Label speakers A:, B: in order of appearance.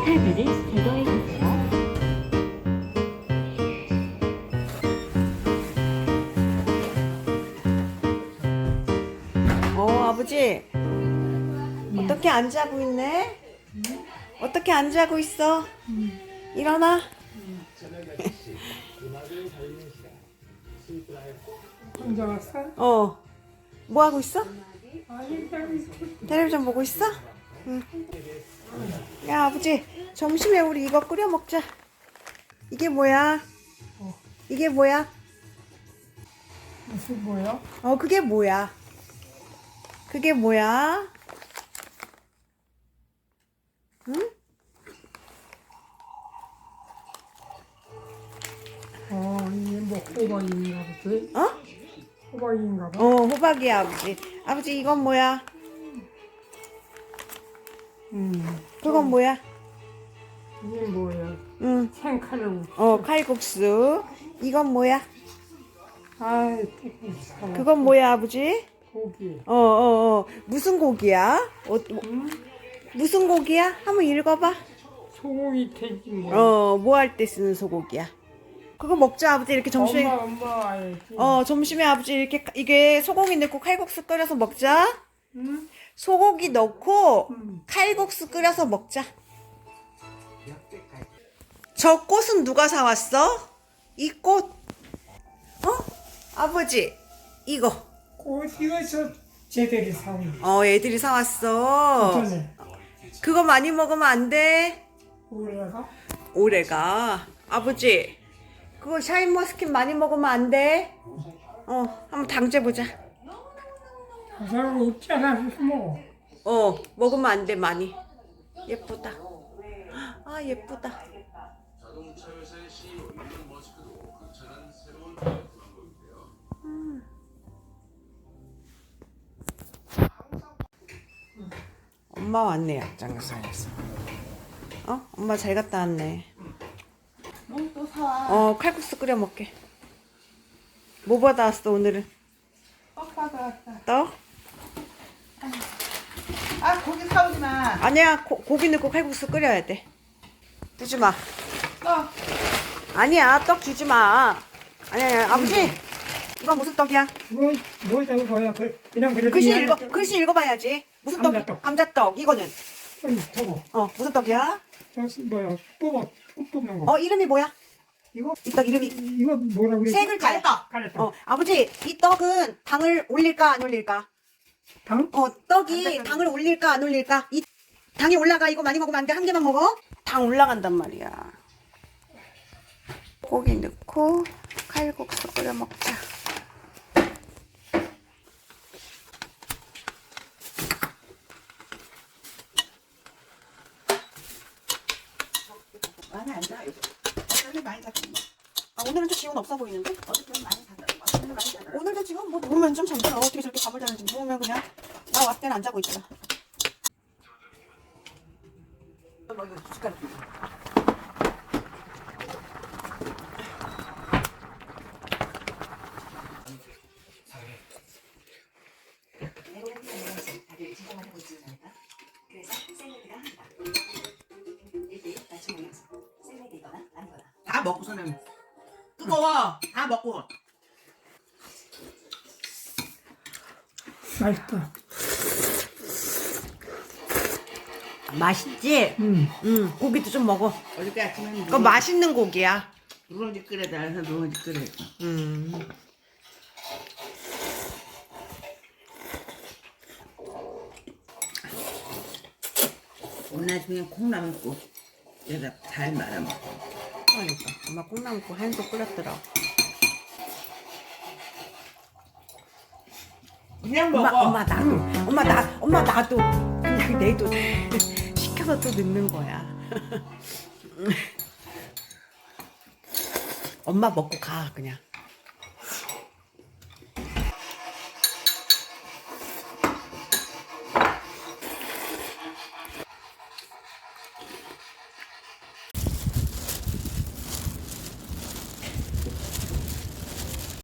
A: 탭을 제거해 주세요.
B: 아버지 어떻게 안 자고 있네? 어떻게 안 자고 있어? 일어나.
C: 혼자 왔어?
B: 뭐 하고 있어?
C: 아니,
B: 텔레비전 보고 있어? 응. 야, 아버지, 점심에 우리 이거 끓여 먹자. 이게 뭐야? 이게 뭐야?
C: 무슨 뭐야?
B: 그게 뭐야? 그게 뭐야? 응?
C: 이게 뭐 호박인가 보지? 호박인가 봐.
B: 호박이야, 아버지. 아버지, 이건 뭐야? 그건 뭐야?
C: 이게 뭐야?
B: 응.
C: 생칼국수.
B: 칼국수. 이건 뭐야?
C: 아이, 또
B: 그건 뭐야, 아버지?
C: 고기.
B: 무슨 고기야? 무슨 고기야? 한번 읽어봐.
C: 소고기 돼지 뭐.
B: 뭐 할 때 쓰는 소고기야? 그거 먹자, 아버지. 이렇게 점심에.
C: 엄마 알지.
B: 점심에 아버지 이게 소고기 넣고 칼국수 끓여서 먹자.
C: 응?
B: 소고기 넣고 칼국수 끓여서 먹자. 저 꽃은 누가 사왔어? 이 꽃? 아버지, 이거.
C: 이거 저 쟤들이 사온
B: 애들이 사왔어.
C: 전에
B: 그거 많이 먹으면 안 돼.
C: 올해가
B: 올해가. 아버지, 그거 샤인머스킨 많이 먹으면 안 돼. 한번 당재보자.
C: 가사가 없잖아. 뭐
B: 먹으면 안 돼, 많이. 예쁘다. 아, 예쁘다. 엄마 왔네, 약장사에서. 엄마 잘 갔다 왔네.
D: 또 사.
B: 칼국수 끓여 먹게. 뭐 받아왔어, 오늘은?
D: 떡 받아왔다.
B: 떡?
D: 고기 사오지 마.
B: 아니야, 고기 넣고 칼국수 끓여야 돼. 주지 마.
D: 떡.
B: 아니야, 떡 주지 마. 아니야, 아버지. 이건 무슨 떡이야?
C: 이거 뭐라고 거야? 그냥 그래도
B: 글씨 읽어봐야지. 무슨 떡?
C: 감자떡.
B: 감자떡. 이거는?
C: 저거
B: 무슨 떡이야?
C: 저 뭐야? 뽑는 거.
B: 이름이 뭐야?
C: 이거
B: 이 떡 이름이
C: 이거 뭐라고 그래?
B: 세 글자야.
C: 가래떡.
B: 아버지, 이 떡은 당을 올릴까 안 올릴까?
C: 당?
B: 떡이 당을 올릴까 안 올릴까? 이 당이 올라가. 이거 많이 먹으면 안 돼. 한 개만 먹어. 당 올라간단 말이야. 고기 넣고 칼국수 끓여 먹자.
D: 많이 안 사. 어차피 많이 샀어.
B: 오늘은 좀 기운 없어 보이는데?
D: 어저께 많이 샀어. 오늘 많이 샀어.
B: 오늘도 지금 뭐 누우면 좀 잠들어. 어떻게 저렇게 잠을 자는지. 누우면 그냥 나 왔을 때는 안 자고 있더라.
D: 다 먹고서는 뜨거워. 다 먹고.
C: 맛있다.
B: 맛있지? 고기도 좀 먹어.
D: 어저께 아침에
B: 그거 맛있는 고기야.
D: 누룽지 끓여다 해서 누룽지 끓여. 오늘 아침에 콩나물 국 여기다 잘 말아 먹어.
B: 그러니까 엄마 콩나물국 한솥 끓였더라.
D: 그냥 먹어.
B: 엄마 나도 그냥 내도 시켜서 또 넣는 거야. 엄마 먹고 가 그냥.